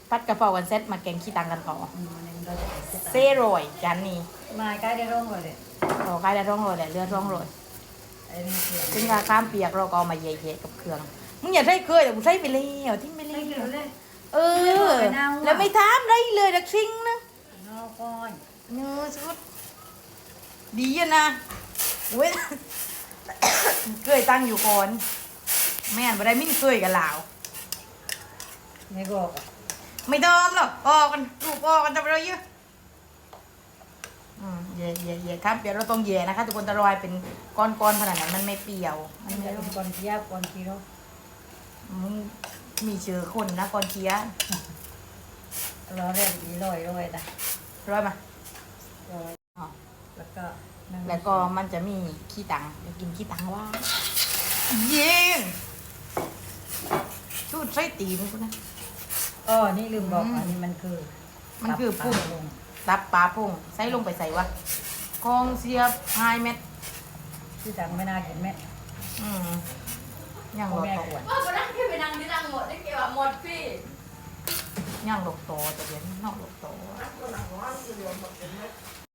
พัดกะเพรากันเซ็ตมาแกงขี้ตังกันต่อเราจะไปเซโรยจานนี้มาใกล้ได้ร่องเลยเราใกล้ได้ร่องโรยแหละเลือดร่องโรยไอ้นี่เสียงซึ่งกาข้ามเปียกเราก็เอามาเย่ๆกับเครื่องมึงอย่าใส่เคยแต่กูใส่ไปแล้วทิ้งไปเลไม่ยเกี่ยวเลยเออแล้วไม่ทามได้เลยดักชิงนะนอกก้อนเนื้อชุดดีอะนะเว้ย เคยตั้งอยู่ก่อนแม่นบ่ได้มิ่นเคยกับลาวไม่บอกไม่เดิมหรอกออกกันลูกออกกันจะไปเลยเยอะเย่ครับเดี๋ยวเราต้องเย่นะคะทุกคนตะรอยเป็นก้อนๆขนาดนั้นมันไม่เปรี้ยวมัมัน นไม่จะเป็นก้อนเทียบก้อนทีโร่มึงมีเชื้อคนนะก้อนเคี้ยเราเรียกดีลอยนะร้อยมาลอยอ๋อแล้วก็แล้วก็มันจะมีขี้ตังจะกินขี้ตังว่าเย็นชูดไส้ตีนกูนะอ๋อนี่ลืมบอกอันนี้มันคือมันคือพุ่งตับปลาพุ่งใส่ลงไปใส่วะกองเสียบไฮเม็ดที่ดังไม่น่ากินแม่อืมย่างหลอกแม่โตขวดว่าคนนั้นพี่ไปนั่งที่นั่งหมดได้เกี่ยวกับหมดพี่ย่างหลอกโตแต่เดี๋ยวนี้นอกหลอกโต